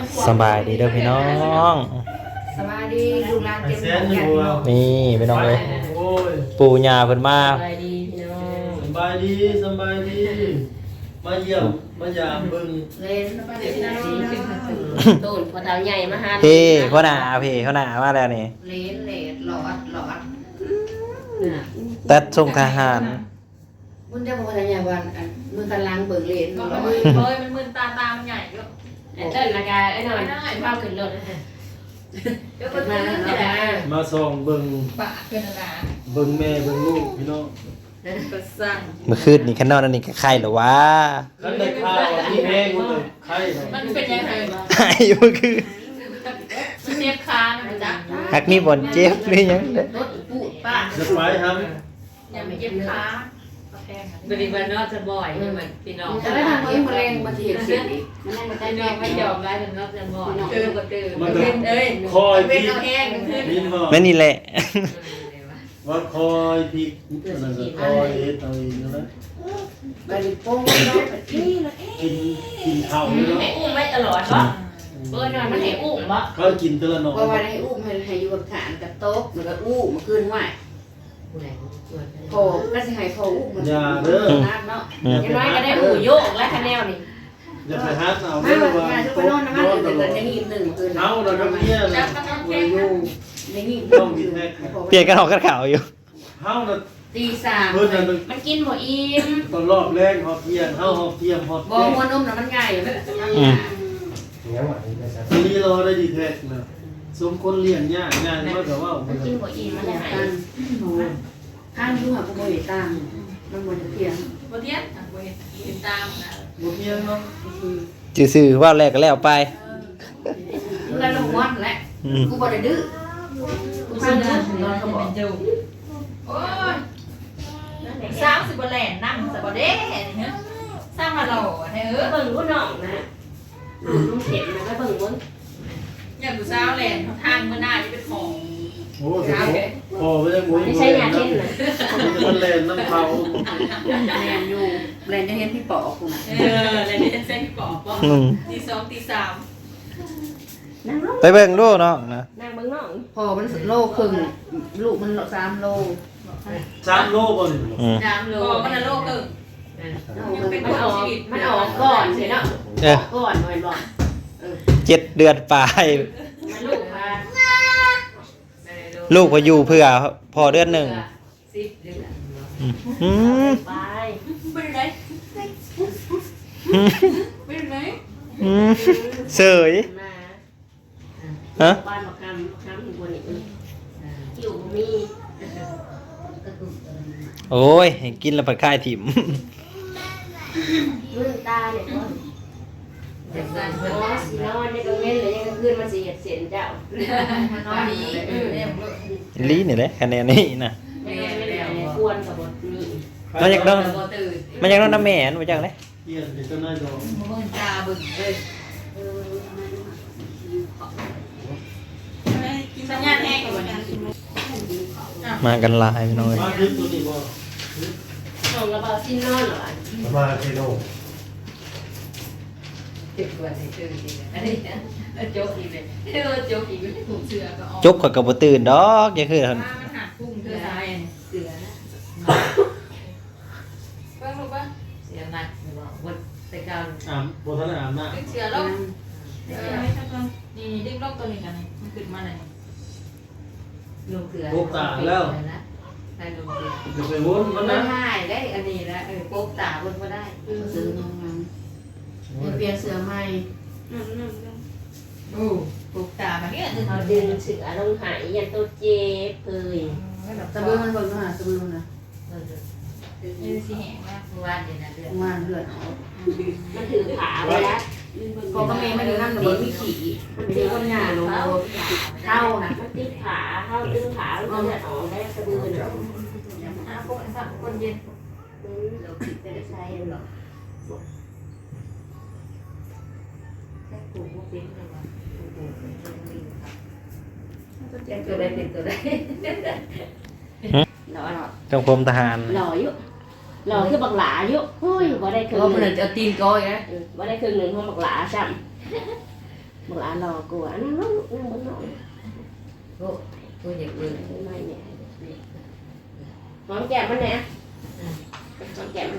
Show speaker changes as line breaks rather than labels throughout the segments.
สบายดีเด้อพี่น้อง
สบายดีลูกหลานเก็บของกัน
นี่พี่น้องเลย
โอ้ย
ปู่ย่าเพิ่นมา
สบายดีพี่น้อง
สบายดีสบายดีมาเยี่ยมมายามเบิ่ง
เล่นสบายดีพี่น้องตูนพอเท้าใหญ่มาหา
พี่เขาหน้าพี่เขาหน้ามาแล้วนี่
เล่นหลอด
ตัดส่งทหาร
มึงได้บอกว่าอย่างวันมือกันล้างเบิกเล่น
ก็
หลอ
มัน
ด
มึนเลยมันมึนตามันใหญ่เยอะ
ไอ้เต้นละกาไอ้หน่อยข้าวขึ้นรถเดี๋ยวมาแล้ว
มาส่องเบิ่ง
ปะเกินอะไร
เบิ่งแม่เบิ่งลูกพี่น้อง
ก็สั่ง
เมื่อคืนนี่ข้างนอกนั่นนี่ก็ไข่เหรอวะ
คันได้ข้าวมีแห้งหมดเลยไข่
มันเป็นยังไง
ไข่เมื่อคืน
มันเจ็บคานะมันจ๊ะ
หักมีบ่อนเจ็บหรือยังเด้อ
รถปูป้า
จะไปครับ
อย่าไปเจ็บขาแพง
บริวารนอกจะบ่อยเหมือนพี่น้อง
จะได้ทำมือมาแรงมาเทียบเสียอีกมันแรงมาได้
พี่น้
แม่
องไม่
ไม่
ย
ย
อ
อ
ม
ม
ไล่เป็นนอกจะบ่อย
ตื่นก็ตื่น
มันก็
เอ้ย
คอย
เป็
พ
น
ลิก
เราแห้งขึ้น
นินบ่
แม่นี่แหละ
ว่าคอยพลิกนั่นก็คอยเฮ็ดเอาเองนั่นแหละ
ไปโป้งน้องนี่ละ
กินข้าวนี่เนาะ
ให้อุ้มไว้ตลอดวะเบิร์นมันให้อุ้มวะ
เขากินแต่ละหน่อ
เพราะว่าให้อุ้มให้อยู่กับฐานกับโต๊ะแล้วก็อุ้มมาขึ้นไหวพอก็สิให้พออุ้มมัน
อย่าเด้อ
นัดเนาะ
ยังน้อยก็ได้หูโยกและคะแนนนี่
อย่าไปหาเอา
ไม่
เด้อ
ว่า
ว่า
การที่ไปนอนน้ำมันเดือดในนี่หนึ่งคืน
เอาแล้วก็เมีย
จั
น่ะ
บมันต้อง
บ่
แข็ง
อยู่
ในนี่
เปลี่ยนกันออกกันข่าวอยู่
เฮาน่ะ
ตีสาม
เพิ่นน่ะ
มันกินหมดอิ่ม
ตอนรอบแรกฮอดเที่ยงเฮาฮอดเที่ยงฮอด
บอหัวนมน่ะมันใหญ่
ทีนี้เราได้ดีแท็กนะสมคนเลี้ยงยากงานก็แต่ว่า
มันกินหมดอิ่มมัน
อยาก
หาย
กันข้างดูหาผู้บริตามมันหมดเพียง
บนเทียนบนเห็นตามนะ
บ่เที่ยงเนาะ
ซื่อๆว่าแรกก็แล้วไป
แล้วลงวันแหละ
อืม
กูบอกได้ดื้อกูฟังดื้อนอนเขาบอก
โอ้ยสร้างสิบแหลนนั่งสิบเด้เนี่ยสร้างมาหล่อให้
เบิ่งรุ่นน้องนะลุงเข็มนะเบิ่งรุ่น
อย่างกูสร้างแหลนทางเมื่อหน้าจะเป็นของ
โอ้สิพอไปได้หมด
ไม่ใช่ยาเช่นนะ
มันแล่นน้ำเผา
แรงอยู่แรงจะเห็นพี่ปอกูนะ
อะไรนี่เส้นกรอบป่ะ
อืม
ตีสองตีสาม
นั่งลง
ไปเบิ่งดูน้องนะ
นั่งเบิ่งน้อง
พอมันโลครึ่งลูกมัน3 โล
3 โลบ่นี่
อืม
น้ำล
ก็
ง
มันโลกเออ
มันออกก่อนสิเนาะ
เออ
ก่อนหน่อยบอก
7 เดือนปลาย
มันลูกมา
ลูกพออยู่เพื่อพอเดือนหนึ่ง
10 เดือน
อืม
ไป
เป็นไร
อืม
เป็นไร
อืมเสย
มา
ฮะ
บ้านมาคำอยู่บนนี้อยู่มี
โอ้ยให้กินแล้วผัดคายถิ่ม
มือตาเนี่ยก็อ๋อสีนอนในกลางเว้นหรือในกลางคืนมันสีเสียนเจ้าน
อนดีเนี่ย
ลีนี่แหละคะแนนนี้นะ
ในกลางเว้นเนี่ยควรกับบทนี้
มันอยากนอนมันอยากนอนน้ำแม่นมาจังเลย
เที่ยงเดี๋ยวจะน่าดอก
มึงตาบึ้งเลยสัญญาณแห้งกว่านี้
มากันหลายพี่น้อย
มาดึกตัวนี้บ่
ส่งระเบิดซีนอนเหรอ
มาเทโน
ติดกว่าในตื่นจริงอันนี้โจ๊กอีกเลยโจ๊กอีกเลย
ถูกเสือก็ออก
จบข่อยก็บ่ตื่นดอกอย่าคือ
มันหักพุ่งเธอตาย
เสือนะ
เพิ่งรู้ป่ะ
เสือหนักวันแต่การ
บ่ทันได้อาบน้
เสือลงนี่ดึงลงตัวนี้กันนี่มันขึ้นมาไหน
ลงเสือให้ลงเสือ
ำเดี๋ยวไปวนมัน
ไม่
นะ
ได้ได้อันนี้นะโป๊กตาบนก็ได้
ซื้อน้องมันเปลี่ยนเสื้อใหม่
โอ้ปลูกตาแบบนี้
เขาดึงเสือลงหายยันตัวเจ็บเลย
สะบือมันเบิ่งหาสะบือมันนะ
นี่สิแห้งมาก
วันเดียวนะเดือน
งานเลือดออก
มันถือขาไว้แล้ว
พอก็แม่ไม่ได้นั่งเบิ่งมีขี่มันเป็นคนหน้าลงเท่านะ
มันติดขาเข้าดึงขาแล้วก็จะออกได้สะดือเนาะ
พวกสัตว์คนเย็น
เราคิดไปได้ใช่หรอแค่กูพวกเป็นเลยวะตัวได้เป็นตัวได้หล่อ
จังพรมทหาร
หล่ออยู่หล่อคือบักหลาอยู่เฮ้ยบ่ได้ครึ่ง
เพราะ
ห
มัน
นึ่ง
จะตีนก้อยนะ
บ่ได้ครึ่งหนึ่งของบักหลาซ้บ่หลานรอกลัวนั่งลงนั่งบนนอน
โอ้ตัวเด็กเลย
ไม่เนี่ยหอมแก้มมันเนี่ยหอมแก้มมัน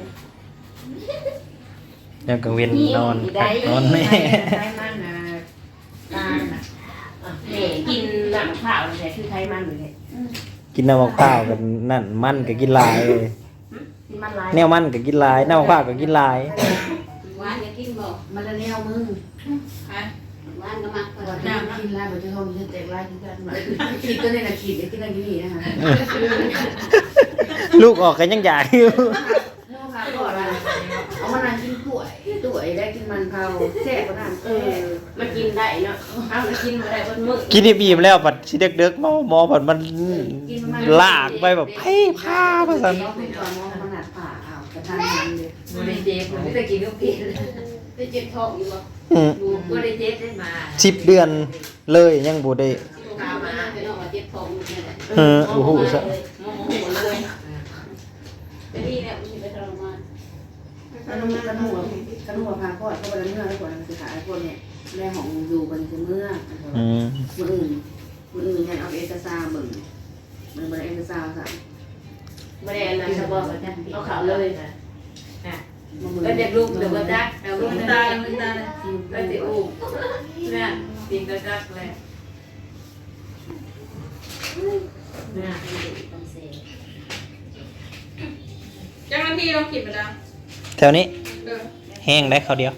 ยังกังเวียนนอน
ได้
นอนแม่
ไขมันนะตาน่ะ
แม่กินน้ำข้าวเลยคือไขมันเลย
กินน้ำมะพร้าวกันนั่นมันก็กินหลายเลย
กินมันลาย
แนวมันก็กินหลายน้ำมะพร้าวก็กินหลาย
หวานจะกินบ่มันละแนวมึง
อ่ะ
หวานก็มักว่าน้ำกินลายบ่จะท้องจะแตกลายกินกันมาคิดตัวนี้น่ะคิดเดี๋ยวกินอะไรอยู่นี่นะคะ
ลูกออกกันยังอยากอยู่
เอาค่ะก่อนเอามานั่งกินกล้วยได้กินมันเผาแซ่บกว่านั้น
มันกินได้เนาะเอามันกินมาได้บนมือ
กินที่บีมแล้วปัดสิเด็กๆหมอปัดมันลากไปแบบเพ่พามาสั่น
เราเป็นตัวมองขนาดผ่าอ้าวกระทันหันเลยบ่ได้เจ็บบ่ได้กินก็กินได้เจ็บท้องอยู่บ่
อืม
ดูบ่ได้เจ็บได้มา
10 เดือนเลยยังบ่ได้
พามาเป็นออกมาเจ็บท้องนี่แหละ
โอ้โหซะ
โมโหเลย
เป็นนี่เนี่ยมันสิไปทรมานกันหัวพาคลอดเข้าไปแล้วเมื่อแล้วก่อนมันสิหาไอ้พวกเนี่ยแม่ของอยู่กันคือเมื่อ
อืม
มื้ออื่นยันเอาเอกสารเบิ่งมันบ่ได้เอกสารซะ
ไม่ได้อะไรสบายเอาข่าวเลย
ก็จะลูกหรือว่าจักเอาลูก
ตามันตา
ก็สิอู้เนี่ยปีก็จักแหละ
จังนาทีเราคิดไปแล้ว
แถวนี้แห้งได้ข้าวเดียว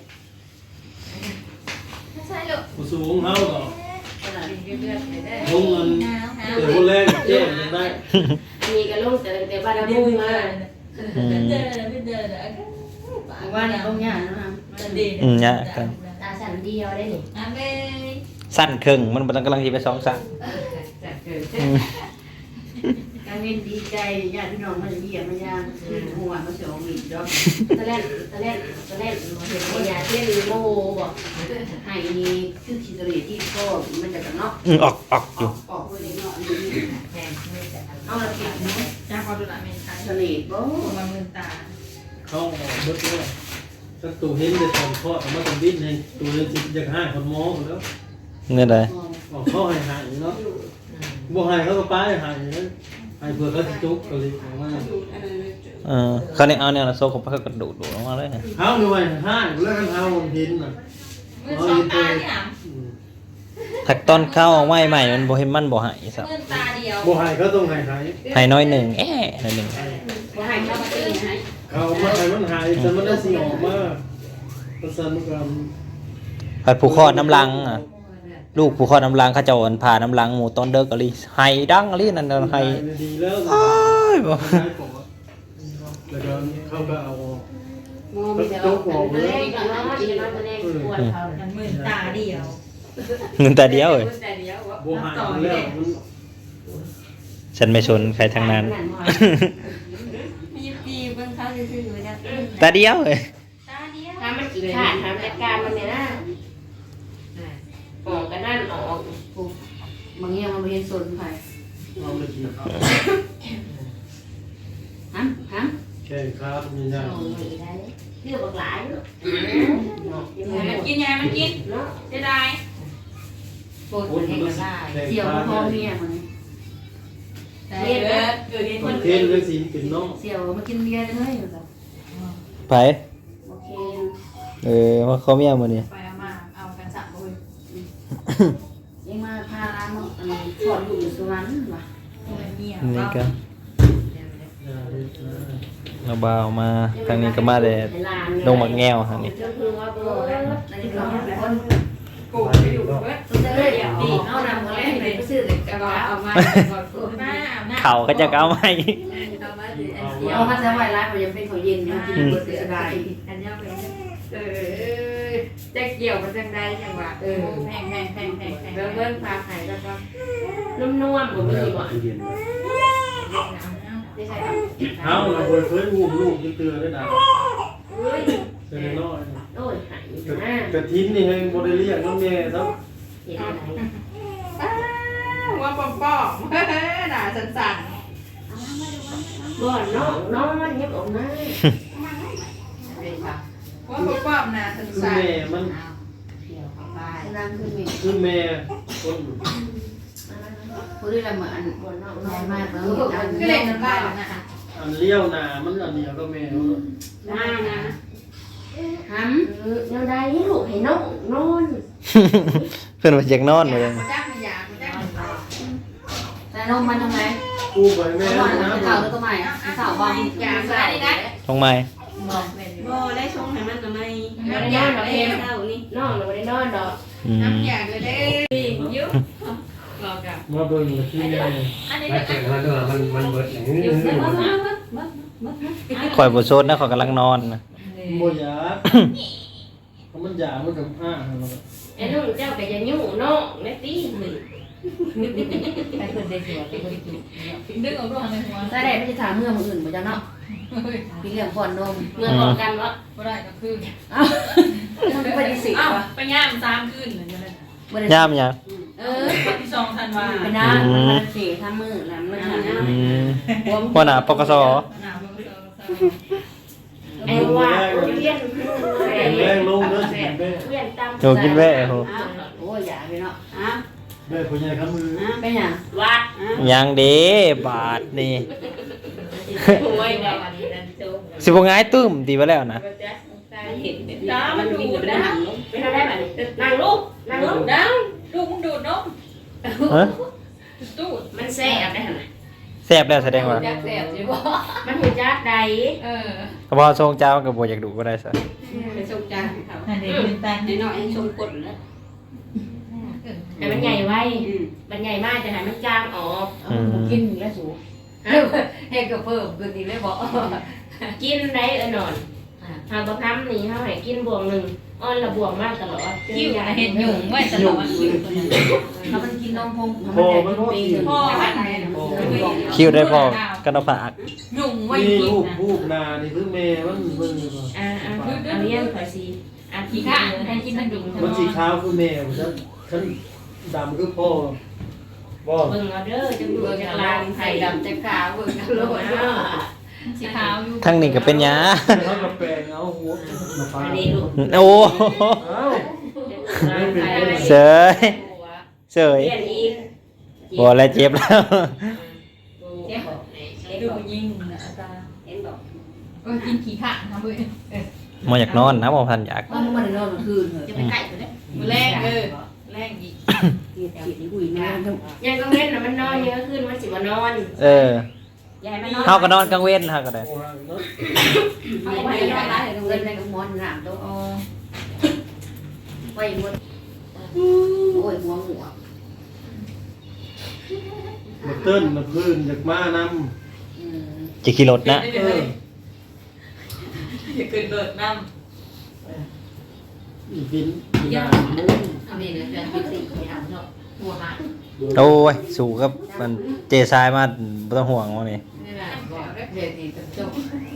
ใช่ลูก
ผู้สูงเฮาต่อ
ขนาดนี้เลือดไม่ได้
ลงมันเดี๋ยวคนแรกแจ้งยังได้
มีกระลุกแต่บ้านเรามุ่งมา
อืม
เดินไม่เดินอ่ะ
ว่านี่ต้องย่างนะคะ
มันดี
เนี่ยกัน
ตาสั่นเดียวได้หนิ
อ่ะเว้ย
สั้นครึ่งมันบ่ต้องกำลังสิไป2สั้น
จัดเกิดการเงินดีใจญาติพี่น้องมาเยี่ยมมายามหัวมาเสียวมีดอก
ตะเล่นเห็นยาเต้นโมบอก
ให้นี่คือคิดเลยที่ก็มันจะกันเนาะ
ออกอยู่
ออกไปเนาะนี่เอาละผิดเนาะ
จ้าพอดูละไม่ใช่
ทะเลบ่
มามือตา
เข้าเบิดเลยสักตัวเห็นได้ตอนคลอดออกมาตอนดิ้นให้ตัวเห็นสิอยากให้คนหมอหมดแล้ว
เงินใด
ออกเข้าให้หายเนาะบ่ให้เขาก็ป้ายหายนะให้เพื่อเขาสิจุกก็เลยออกมา
เขาเนี่ยเอาเนี่ยละโซ่ของเขากระดูดลงมาเลย
เฮาด้วยให้แล้วกันเฮาเห็นน่ะ
มือสองตาที่หน
ถักตอนเข้าใหม่มันบ่เห็นมันบ่หายซับ
มือตาเดียว
บ่ให้เขาต้องให้หาย
หายน้อยหนึ่งหน่อยหนึ่ง
ว่าให้เข้ามาตีให้
เขามาให้มันหายแต่มันได้สิออกมาประสานกัน
ผัดผูกคอน้ำลังอ่ะลูกผูกคอน้ำลังเขาเจ้าอันผ่าน้ำลังหมูตอนเด็กอะไรหายดังอะไรนั่นนั่นหาย
ดีแล้ว
อ้ายบ่
แล้วก็เขาก็เอา
โมมีแต่ว่าตะเล่นกับน้องอีน้องตะเล่นปวดเขา
มันมือตาเดียว
เงินแต่เดียวเลย
แต่เดียวว่า
บ่หายแล้วมัน
ฉันไม่ชนใครทั้งนั้น
มีปีเบิ่งเขาซื่อๆนะ
แต่เดียวเลย
ตาเดียว
ถ้ามันขี้ขาดทำจัดการมันเนี่ยนะออกกันนั่นออก
บางอย่างมันไม่เห็นสนไผ
เอาเลยที
ฮะ
แข่งขามีอย่าง
เอาไม่ได้เรื่องบักหลายเนาะ
มันกินยามันกิน
เนาะ
จะได้
โปรดให้กันได้เสี่ยวพ่อเมียมัน
เรียนเกิดเห็น
ค
คน
นเทนเลยสิเป็นน้อง
เสี่ยวมากินเบียร์เลยแบบ
ไป
โอเค
มาเขาเมียมาเนี่ย
ไปเอามาเอากันสับเลย
ยังมาพาร้านมาถอดอยู่สุวรรณว่ะ
เมีย
นี่ก็
อย่าเลยนะ
เราบ่าวมาทางนี้ก็มาแต่ลงหมักแง่วทางนี้
ก็คือว่าโบแล้ว
อันนี้ก็เป็นคน
กูไปอยู่เว้ย
จะได้ดีเอานำมาแรกเลยซื้อเลยกระเป๋าเอามาก่อน
มาอาบน้ำ
เขาก็จะเอาไหม
เอามาจะไหวร้านมันยังเป็นของเย็นนะกินเบอร์เสียดาย
อันยาไปจะเกี่ยวมันจังได้จังหวะแพง
เบิ้งพาไข่แล้วก็
นุ่มๆผมไม่มีบ่
เย็น
ไม่ใช่ครับ
เฮาเราเคยอุ้มลูกเตือนได้นะเตือนน้อย
โอ้ยหายนะ
กระทิ้นนี่ให้บ่ได้เรียกน้องแม่ครับ
เห็นอะไร
ว่าป้อมหนาสั่น
บ่น้องมันเงียบออกมา
ว่าป้อมหนาสั่น
แม่มัน
เที่ยวเข้าไป
เ
นางคือมี
คือแม่คน
ผู้ที่ละเหมือนบนนอกน้อยมากแล้วดัง
ก็เล่นกันบ้านนะ
อันเลี้ยวหนามันอันเดียวก็แม่
มานะ
ห
แนวใดให้ลูกให้น้องนอน
เพิ่นว่าอยากนอนเลย
จ้างไม่อยากจ้าง
ำแต่นมมันทำไม
กูไปแม่
ก่อน
นะ
จะเก่าแล้วก็ใหม่สาวบาง
อยากใส่นี่นะ
ลงไม้
บ่ได้ชงให้มันทำไมบ่ได้นอนดอกเอ็มเท่านี่น้องบ่ได้นอนดอก
น้ำอยากเลยเด้ยุ่งรอกัน
มาเบิ่งที่แม่
อันนี้
ไม่เกิดมันตัวมันเบิดอย่างนี้
ข่อยบ่โซดนะข่อยกำลังนอนนะ
บ่อยากมันอยากมันกับอ้า
ไอ้นุ่งเจ้าก็อย่ายุ่งน้องแม่ตีนี่
ไปคนเดียวไปคนเดียวดึงออกด้วยในหัว
ถ้าได้ไม่จะถามเมื่อมืออื่นบ่จ้าเนาะพี่เลี้ยงก่อนนม
เมื่อบอกกันว่า
ก็ได้ก็คือ
มันเป็นปฏิสิทธิ์
อ้าว
วะ
ไปย่าม3คืนเหมือนกัน
ย่ามหยัง
วันที่2ธันวา
ไปนะมันเสียทำมือแล้วมันทำ
อืมหัวหน้าปกส
ไอ้ว่าเรียน
แม่ลงเด้อแม่
เรียนตาม
โยกินแว่โห
โอ้ยอย่าไปเนาะ
แม่ผู้ใหญ่ครับมือ
เป็นหยัง
วัด
ยังเด้บาทนี่
โอ้ยได้
สิบ่ง่ายตุ้มตีไปแล้วนะ
เห็นจ้ามันวิ่งไปได้เป็นอะไรแบบนี้นั่งลูกนั่งลูก
ดังลูกมึงดูดนม
ฮะ
ตู้
มันแซ่บได้หั่นน่ะ
แซ่บแล้วแสดงว่า
อยากแสบสิบ่
มันหูจักใด
ก็บ่ทรงเจ้าก็บ่อยากดูก็ได้ซะ
ไปส่งจานเขา
อันนี้เป็นตา
ในน้อยชมกดแล้ว
แต่มันใหญ่ไว้มันใหญ่มากจะให้มันจางออก
กินแล้วสู
ให้ก็เพิ่มคืนนี้เลยบ่
กินได้นอนหาบะคำนี่เขาให้กินบวงหนึ่งอ้อนละบวงมากตลอด
คิวเห็ดหยุ่งไว้ตลอดคิว
ถ้ามันกินนมพง
พ่อมันว่ากิน
พ่อมัน
คิวได้พอกันเอาฝาก
หยุ่งไว้
นี่
กิน
ลูก
นะ
ลูกนานี่คือแม่มันเบิ่ง
อันนี้ขอซีอัน
ขี้
ที่
ข้า
ข้า
ให้กินมันหยุ่ง
มันสีขาวคือแม่ฉันดำคือพ่อบ่
เบิ่งเอาเด้อจะดู
เบิ่ง
จะ
จะ
ลา
ลาง ง
ไข่
ไข่
ดำ
ดำจะขาวเบิ่งกันโลด
สีขาวอยู่
ทั้งนี้ก็เป็นหยา
เขากับแปลงเอาหัวมาฟา
อันนี้ลูก
โอ้
เอ้า
เสยเสย
เรียนอีก
บ่แล้วเจ็บแล้ว
ดูยิงนะอาจารย์
เห็นบอก
กินขี้ข้านะเว้ย
บ่อยากนอนนะบ่ทันอยาก
มันมันนอนกลางคืนเหรอ
จะไปไก่ตัวนี้มือแรงแรงอีก
กินอุ้ยนะ
ยังต้องเล่นนะมันนอนเยอะขึ้นมันสิว่านอน
เออ
ยายมันนอน
เฮาก็นอนกลางเว้นเฮาก็ได้
โอ้ยเนาะ
เอาไว้ได้ไรกับเงินในกับมอนหนามตัวไว้หมดโอ้ยหัวหัว
มาเติ้นมาพื้นจากมานำ
จะขี่รถนะ
อย่าเกินเบิดน้
อีกินยามุ้ง
อันนี้เนี่ยจะกินสี่อย่างเนาะหัวหา
โอ้ยสู้กับมันเจทรายมาบ่ต้องห่วงว่านี่
นี่แหละเดี๋ยวนี้จะจบ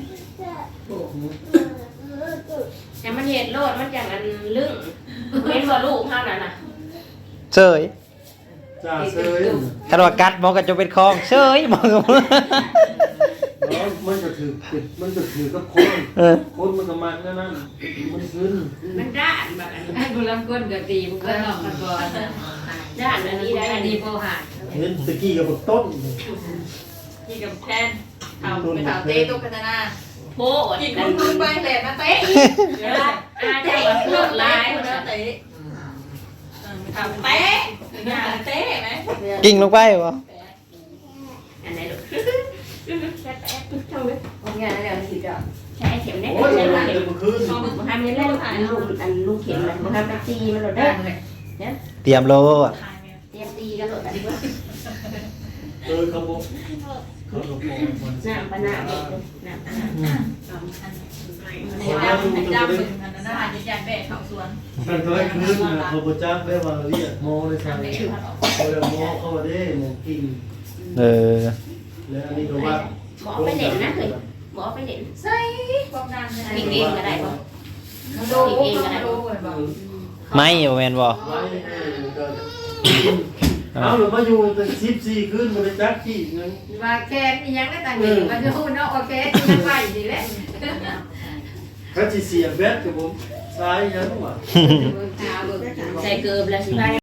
แต่มันเห็ดโลดมันอย่างอันลึ่งเห็นบ่ลูกเท่านั้นน่ะ
เสย
จ่าเซย
คันว่ากัดมันก็จะเป็นคลองเสยมันก็
แล้วมันก็ถือปิดมันก็ถือกับคน
เออ
คนมันก็มันนั่นมันขึ้น
มันด้านแบบอัน
ไอ้บุรัมก้นก็ตีบุกก็นอกกันก่อน
ด้านอันนี้ได้
อั
อั
น
น
นี้
นี้
โบหา
เห็นตะกี้กับต้น
ำกินกับแทนเอาไปถามเต้ตุ๊กตาหน้า
โพด
กิน
นั่น
คุณไปแหลมมาเต้
อาจจะว่าโลดลาย
คนเต้ถามเต้งานเต้ไหม
กิ่งลงไปบ่
อันไหนลูกแป๊บช่องนึง
ของงานอะไรสิจ้ะ
ใช้เข็มได้
โอ้ย
ใช้
มัน
เข็ม
จะมาขึ้น
มาทำยังไงลูกอันลูกเข็มมันมาทำตะตีมันโลดได้
เตรียมโลด
เตรียมตีกันโลดอันนี้ว่า
เขาบอกเขาบอกมัน
น้ำปะน้ำน้ำปะน้ำ
ในดำในดำเป็นอันนั้นอาจจะยันแบกเขาสวน
มันก็ขึ้นนะเขาประจักษ์ได้ว่าเรียกโมเลยใช่ไหมเขาเรียกโมเข้ามาได้โมกิน
เออ
แล้วอันนี้ก็ว่า
หมอไปเล่นนะเคยหมอไปเล่น
ใส่ความนานเลย
กินเองก็ได้ป่ะ
โดนเองก็ได้
ไม่บ่แม่นบ่
ไว้เอาหรือมาอยู่เป็น14คืนบริจักษ์ที่นึง
ว่าแค่นี้ยังได้ต่างหนึ่งมันจะพูดเนาะโอเคยังไหวดีแหละ
เขาจะเสียแบตกับผมซ้ายยังวะ
เบิ่งตาเบิ่ง
ใส่เกลือแล้วสิพา